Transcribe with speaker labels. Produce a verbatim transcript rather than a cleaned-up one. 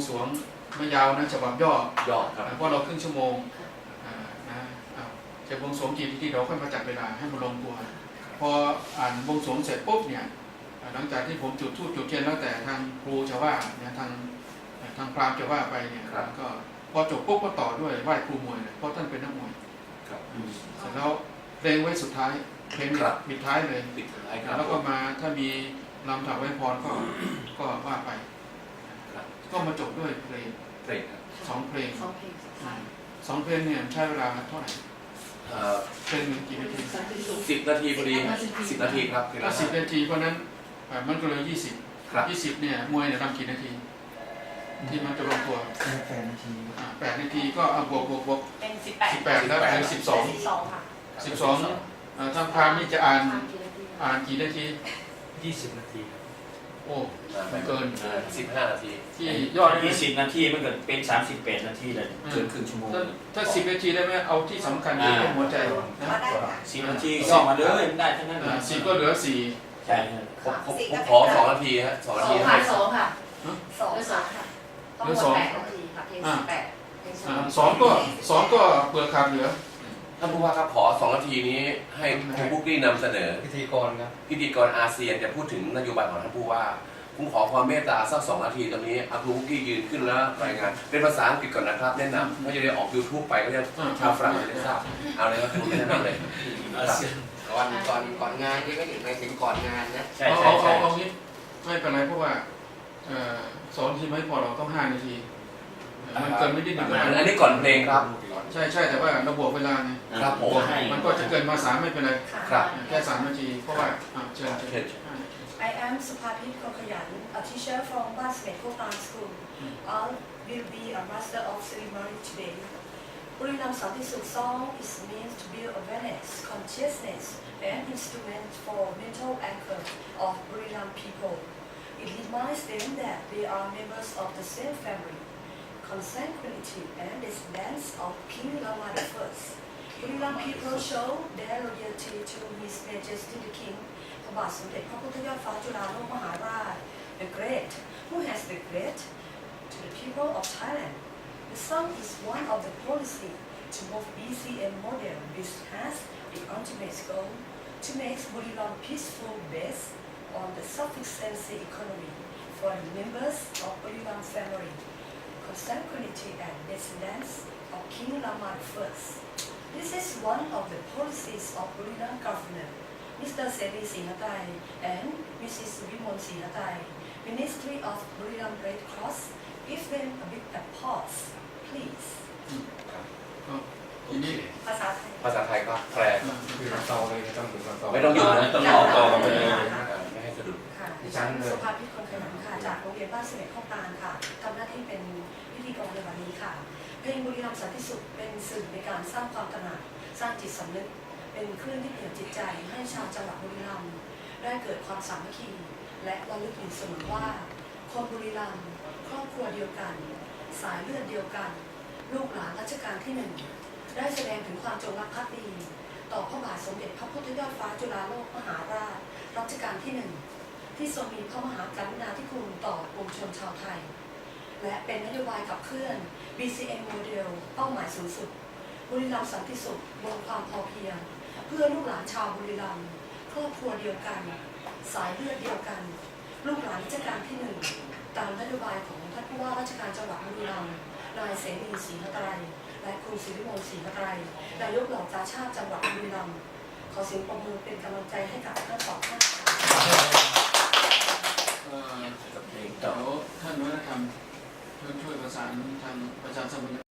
Speaker 1: สรวงไม่ยาวนะฉบับย่อย่
Speaker 2: อครับ
Speaker 1: เพราะเราครึ่งชั่วโมงนะจะบวงสรวงกี่ที่เราค่อยมาจัดเวลาให้มันลงตัวพออ่านบวงสรวงเสร็จปุ๊บเนี่ยหลังจากที่ผมจุดธูปจุดเทียนแล้วแต่ทางครูจะว่าเนี่ยทางทางพราหมณ์จะว่าไปเนี่ยก็พอจบปุ๊บก็ต่อด้วยไหว้ครูมวยเพราะท่านเป็นนักมวยเสร็จแล้วเพลงไว้สุดท้ายเพลงปิดท้ายเลยแล้วก็มาถ้ามีลำถวายพรก็ก็ว่าไปก็มาจบด้วยเพลง
Speaker 2: เพลง
Speaker 1: สองเพลง
Speaker 3: สองเพลง
Speaker 1: สองเพลงเนี่ยใช้เวลาเท่าไหร่เพลงกี่นาที
Speaker 2: สิบนาทีพอดีสิบนาทีครับ
Speaker 1: ถ้าสิบนาทีเพราะนั้นมันก็เลยยี่สิบยี่สิบเนี่ยมวยเนี่ยทำกี่นาทีที่มันจะลงตัว
Speaker 4: แปดนาที
Speaker 1: แปดนาทีก็บวกบวกบวก
Speaker 3: เป็นสิบแปด
Speaker 1: สิบแปดแล้วเป็นสิบสอง
Speaker 3: สิบสองค่ะ
Speaker 1: สิบสองทางพราหมณ์นี่จะอ่านอ่านกี่นาที
Speaker 4: ยี่สิบนาที
Speaker 1: โอ้เกิน
Speaker 2: สิบห้านาที
Speaker 1: ที่ยอด
Speaker 4: ยี่สิบนาทีมันเกิดเป็นสามสิบแปดนาทีเลยเกินครึ่งชั่วโมง
Speaker 1: ถ้าสิบนาทีได้ไหมเอาที่สำคัญที่เป็นหัวใจนะ
Speaker 4: สิบนาทีย่อมาเลยได้ทั้งนั้น
Speaker 1: สิบก็เหลือสี่
Speaker 4: ใช่
Speaker 2: ผมผมขอสองนาทีฮะสองนาที
Speaker 3: ให้สองค่ะสองสองค่ะต้องหมดแปดนาทีค่ะเพลงสิบแปด
Speaker 1: สองก็สองก็เปลือกขาดเหลือ
Speaker 2: ท่านผู้ว่าครับขอสองนาทีนี้ให้ครูบุ๊กกี้นำเสนอ
Speaker 4: พิธีกรครับ
Speaker 2: พิธีกรอาเซียนจะพูดถึงนโยบายของท่านผู้ว่าผมขอความเมตตาสักสองนาทีตรงนี้ครูบุ๊กกี้ยืนขึ้นแล้วรายงานเป็นภาษาอังกฤษก่อนนะครับแนะนำไม่จะได้ออกยูทูบไปก็จะชาวฝรั่งจะได้ทราบเอาเลยครับคุณแนะนำเลย
Speaker 5: ก่อนก่อนก่อนงานนี่ก็ถึงไปถึงก่อนงานนะ
Speaker 1: ใช่ใช่ใช่เอางี้ไม่เป็นไรเพราะว่าสอนทีไม่พอเราต้องห้านาทีมันเกินไม่ได้หนึ่ง
Speaker 2: อันนี้ก่อนเพลงครับ
Speaker 1: ใช่ใช่แต่ว่าเราบวกเวลาไง
Speaker 2: ครับผม
Speaker 1: มันก็จะเกินมาสามไม่เป็นไร
Speaker 2: ครับ
Speaker 1: แค่สามนาทีเพราะว่าเชิญเชิญ
Speaker 6: I am Supaphit Kokhayan, a teacher from Basmet Kopan School. I will be a master of ceremony today. Buriram Santisuk song is meant to build awareness, consciousness, and instrument for mental anchor of Buriram people. It reminds them that they are members of the same family, consanguinity, and descendants of King Rama the First. Buriram people show their loyalty to His Majesty the King, Bhat Samdet Phra Puthayat Phra Chulalok Maharaj, the Great, who has the great to the people of Thailand. The song is one of the policy to move easy and modern, which has the ultimate goal to make Buriram peaceful based on the sufficiency economy for the members of Buriram family, consanguinity and descendants of King Rama the First. This is one of the policies of Buriram governor, Mister Seri Singhatai and Missus Vimon Singhatai, Ministry of Buriram Red Cross. Give them a big applause, please.
Speaker 1: ทีนี้
Speaker 6: ภาษาไทย
Speaker 2: ภาษาไทยก็แปล
Speaker 4: คือต่อเลยต้องถึงต่อ
Speaker 2: ไม่ต้องหยุดนะต้องต่อต่อไปเลยไม่ให้สะดุด
Speaker 6: ค่ะดิฉันสุภาพิตคนขยันค่ะจากโรงเรียนบ้านเสม็ดข้าวตาลค่ะทำหน้าที่เป็นพิธีกรในวันนี้ค่ะเพลงบุรีรัมย์สันติสุขเป็นสื่อในการสร้างความตระหนักสร้างจิตสำนึกเป็นเครื่องที่เปลี่ยนจิตใจให้ชาวจังหวัดบุรีรัมย์ได้เกิดความสามัคคีและระลึกถึงเสมอว่าคนบุรีรัมย์ครอบครัวเดียวกันสายเลือดเดียวกันลูกหลานรัชกาลที่หนึ่งได้แสดงถึงความจงรักภักดีต่อพระบาทสมเด็จพระพุทธยอดฟ้าจุฬาโลกมหาราชรัชกาลที่หนึ่งที่ทรงมีพระมหากรุณาธิคุณต่อปวงชนชาวไทยและเป็นนโยบายขับเคลื่อน บี ซี เอ็ม โมเดลเป้าหมายสูงสุดบุรีรัมย์สันติสุขบนความพอเพียงเพื่อลูกหลานชาวบุรีรัมย์ครอบครัวเดียวกันสายเลือดเดียวกันลูกหลานรัชกาลที่หนึ่งตามนโยบายของท่านผู้ว่าราชการจังหวัดบุรีรัมย์นายเสรีศรีหไตรและครูศิริมนต์ศรีหไตรนายกเหล่ากาชาติจังหวัดบุรีรัมย์ขอเสียงปรบมือเป็นกำลังใจให้กับทั้งสองท่าน
Speaker 1: เดี๋ยวท่านวัฒนธรรมช่วยประสานทางประชาสัมพันธ์